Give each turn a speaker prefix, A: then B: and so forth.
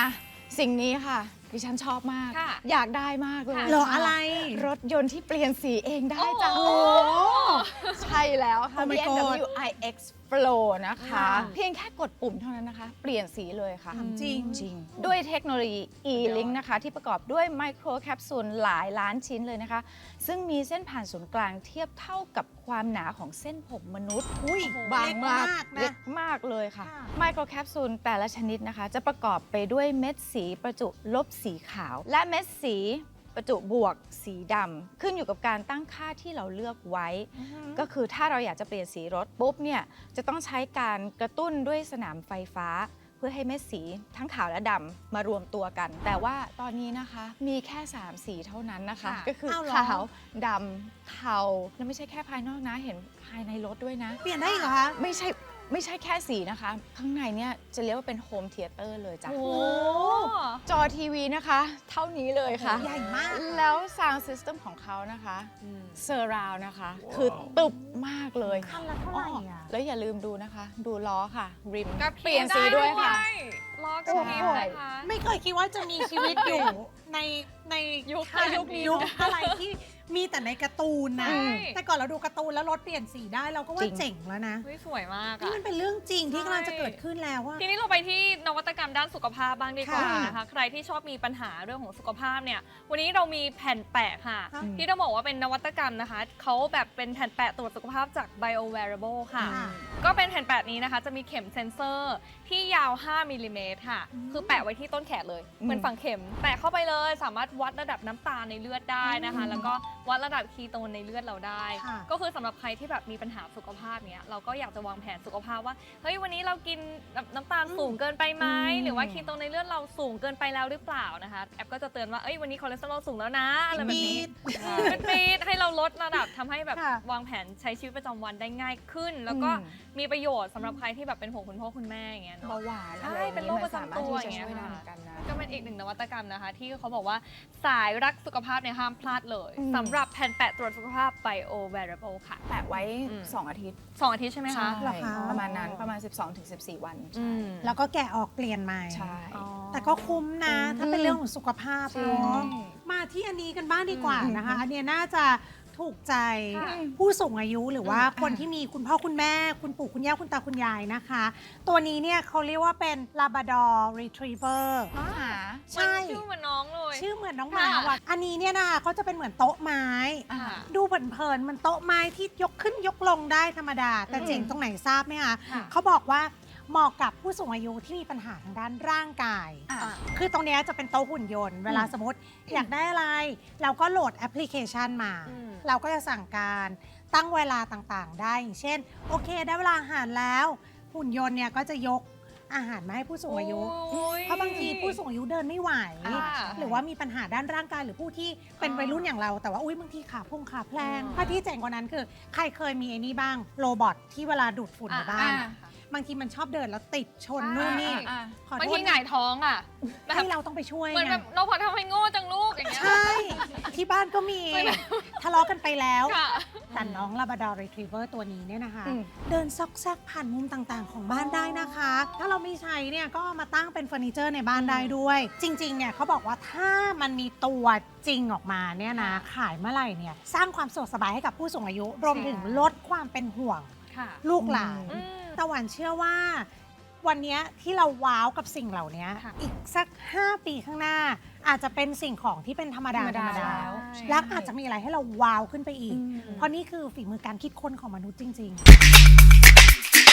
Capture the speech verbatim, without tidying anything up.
A: อ่ะสิ่งนี้ค่ะดิฉันชอบมาก อยากได้มากเลย
B: หรออะไร
A: รถยนต์ที่เปลี่ยนสีเองได้จ้ะ
B: โอ้
A: ใช่แล้วค่ะ
B: Oh my
A: บี เอ็ม ดับเบิลยู
B: god
A: ไอ เอ็กซ์ Flow นะคะ
B: ค่ะ
A: เพียงแค่กดปุ่มเท่านั้นนะคะ เปลี่ยนสีเลยค่ะ
B: จริง
A: จริง ด้วยเทคโนโลยี E-Link นะคะ ที่ประกอบด้วยไมโครแคปซูลหลายล้านชิ้นเลยนะคะ ซึ่งมีเส้นผ่านศูนย์กลางเทียบเท่ากับความหนาของเส้นผมมนุษย์
B: อุ้ย
A: บางมาก
B: เล็
A: เล็
B: ก
A: กมากเลยค่ะ
B: ค่ะ
A: ไมโครแคปซูลแต่ละชนิดนะคะ จะประกอบไปด้วยเม็ดสีประจุลบสีขาว และเม็ดสีประจุบวกสีดำขึ้นอยู่กับการตั้งค่าที่เราเลือกไว้ ก็คือถ้าเราอยากจะเปลี่ยนสีรถปุ๊บเนี่ยจะต้องใช้การกระตุ้นด้วยสนามไฟฟ้า เพื่อให้เม็ดสีทั้งขาวและดำมารวมตัวกัน แต่ว่าตอนนี้นะคะมีแค่สามสีเท่านั้นนะคะ
B: ค่ะ
A: ก็คือ
B: อ้าวเหรอ
A: ขาวดำเทาและไม่ใช่แค่ภายนอกนะเห็นภายในรถด้วยนะ
B: เปลี่ยนได้อีกเหรอคะ
A: ไม่ใช่ไม่ใช่แค่สีนะคะ ข้างในเนี่ยจะเรียกว่าเป็นโฮมเธียเตอร์เลยจ้ะ
C: โอ้
A: จอทีวีนะคะ เท่านี้เลยค่ะ
B: ใหญ่มาก
A: แล้ว Sound System ของเขานะคะเซอร์ราวนะคะ คือตึบมากเลย
B: คันละเท่าไหร่อ่ะ
A: แล้วอย่าลืมดูนะคะ ดูล้อค่ะ ริม
C: กระ
A: เปลี่ยนสีด้วยค่ะ
C: ล้อกระพริบนะคะ
B: ไม่เคยคิดว่าจะมีชีวิตอยู่ ในใน
C: ยุค
B: ค่ะ
C: ยุคนี้
B: ยุคอะไรที่มีแต่ในการ์ตูนนะ
C: ใช่
B: แต่ก่อนเราดูการ์ตูนแล้วรถเปลี่ยนสีได้เราก็ว่า
A: จริง
B: เจ๋งแล้วนะ
C: เฮ้ยสวยมาก
B: นี่
C: อะ
B: มันเป็นเรื่องจริงที่
C: ใช่
B: กำลังจะเกิดขึ้นแล้วว่า
C: ทีนี้เราไปที่นวัตกรรมด้านสุขภาพบ้างดีกว่า
B: ค่ะ
C: นะคะ ใครที่ชอบมีปัญหาเรื่องของสุขภาพเนี่ย วันนี้เรามีแผ่นแปะค่ะ
B: ค่ะ
C: ที่ต้องบอกว่าเป็นนวัตกรรมนะคะ เขาแบบเป็นแผ่นแปะตรวจสุขภาพจาก Bio Wearable ค่ะ
B: ค่ะ
C: ก็เป็นแผ่นแปะนี้นะคะ จะมีเข็มเซนเซอร์ที่ยาว ห้ามิลลิเมตรค่ะ
B: อืม
C: คือแปะไว้ที่ต้นแขนเลย
A: อืม
C: เหมือนฝังเข็ม แปะเข้าไปเลย สามารถวัดระดับน้ำตาลในเลือดได้นะคะ
B: อืม
C: แล้วก็วัดระดับคีโตนในเลือดเราได้
B: ค่ะ
C: ก็คือสำหรับใครที่แบบมีปัญหาสุขภาพเนี้ยเราก็อยากจะวางแผนสุขภาพว่า เฮ้ยวันนี้เรากินแบบน้ำตาลสูงเกินไปไหม
A: อืม
C: หรือว่าคีโตนในเลือดเราสูงเกินไปแล้วหรือเปล่านะคะ แอปก็จะเตือนว่า เอ้ยวันนี้คอเลสเตอรอลสูงแล้วนะอะไรแบบนี้
B: ปี๊ด
C: เออเป็นปี๊ดให้เราลดระดับทำให้แบบ
B: ค่ะ
C: วางแผนใช้ชีวิตประจำวันได้ง่ายขึ้น แล้วก็
A: อืม
C: มีประโยชน์สำหรับใครที่แบบเป็นห่วงคุณพ่อคุณแม่อย่างเงี้ยเนาะ
A: เบาหวาน
C: ใช่
A: อะไรอย่าง
C: เป็นโรคประจำตัว
A: มันสามารถที่จะ
C: อย่างเงี้ย
A: ช่วยได้
C: ค่ะ
A: เหมือนกันนะ
C: ก็เป็นอีกหนึ่งนวัตกรรมนะคะ ที่เขาบอกว่าสายรักสุขภาพเนี่ยห้ามพลาดเลย
A: อืม
C: สำหรับแผ่นแปะตรวจสุขภาพ Bio Wearable ค่ะ
A: แปะไว้
C: อืม
A: สองอาทิตย์
C: สองอาทิตย์ใช่ไหมคะ
B: เหรอคะ
A: ประมาณนั้นประมาณ สิบสองถึงสิบสี่ วัน
C: อื
A: ใช่
C: ม
B: แล้วก็แกะออกเปลี่ยนใหม่
A: ใช่
C: อ๋อ
B: แต่ก็คุ้มนะ ถ้าเป็นเรื่องของสุขภาพ
A: ใช่
B: เนาะมาที่อันนี้กันบ้างดีกว่า
A: อืม
B: นะคะ อันเนี้ยน่าจะถูกใจ
C: ค่ะ
B: ผู้สูงอายุหรือว่า
A: อืม
B: คนที่มีคุณพ่อคุณแม่ คุณปู่คุณย่าคุณตาคุณยายนะคะ ตัวนี้เนี่ยเขาเรียกว่าเป็น Labrador Retriever
A: หา
B: ใช่
C: ชื่อเหมือนน้องเลย
B: ชื่อเหมือนน้องหมา
C: ค่ะ
B: ว่ะอันนี้เนี่ยนะคะเขาจะเป็นเหมือนโต๊ะไม้
A: อ่า
B: ดูเผินๆมันโต๊ะไม้ที่ยกขึ้นยกลงได้ธรรมดา แต่
A: อืม
B: เจ๋งตรงไหนทราบไหมคะ
C: ค่ะ
B: เขาบอกว่าเหมาะกับผู้สูงอายุที่มีปัญหาทางด้านร่างกาย
A: อ่ะ
B: คือตรงเนี้ยจะเป็นโต๊ะหุ่นยนต์ เวลาสมมติอยากได้อะไร เราก็โหลดแอปพลิเคชันมา
C: อืม
B: เราก็จะสั่งการตั้งเวลาต่างๆ ได้อย่างเช่น โอเค ได้เวลาอาหารแล้ว หุ่นยนต์เนี่ยก็จะยกอาหารมาให้ผู้สูงอายุ
C: โอ้ย
B: เพราะบางทีผู้สูงอายุเดินไม่ไหว
C: ค่ะ
B: หรือว่ามีปัญหาด้านร่างกายหรือผู้ที่เป็น
C: อ่า
B: วัยรุ่นอย่างเรา แต่ว่าอุ้ยบางทีขาพุ่งขาแพลง
C: อ่า
B: ถ้าที่เจ๋งกว่านั้นคือ ใครเคยมีไอ้นี่บ้างโรบอทที่เวลาดูดฝุ่นในบ้าน
C: อ่ะ
B: บางทีมันชอบเดินแล้วติดชนนู่นนี่
A: อ่ะ
B: ขอโทษ
C: บางทีหงายท้องอ่ะแบบ
B: ให้เราต้องไปช่วย
C: เหมือน
B: ไง
C: แบบน้องพอทำให้โง่จังลูกอย่างเงี้ย
B: ใช่ ที่บ้านก็มี
C: ไม่ได้
B: ทะเลาะกันไปแล้ว
C: ค่ะ
B: แต่น้อง Labrador Retriever ตัวนี้เนี่ยนะคะ
A: อืม
B: เดินซอกแซกผ่านมุมต่างๆ ของบ้านได้นะคะ ถ้าเราไม่ใช้เนี่ยก็เอามาตั้งเป็นเฟอร์นิเจอร์ในบ้านได้ด้วย จริงๆ เนี่ยเขาบอกว่าถ้ามันมีตัวจริงออกมาเนี่ยนะ ขายเมื่อไหร่เนี่ยสร้างความสะดวกสบายให้กับผู้สูงอายุ รวมถึงลดความเป็นห่วง
C: ค่ะ
B: ลูกหลาน
C: อืม
B: ตะวันเชื่อว่า วันเนี้ยที่เราว้าวกับสิ่งเหล่านี้
C: ค่ะ
B: อีกสัก ห้า ปีข้างหน้า อาจจะเป็นสิ่งของที่เป็นธรรมดา
A: ธรรม
B: ธร
A: ดาร
B: มดา
A: แล้ว
B: และอาจจะมีอะไรให้เราว้าวขึ้นไปอีก
A: อืม
B: เพราะนี่คือฝีมือการคิดค้นของมนุษย์จริง ๆ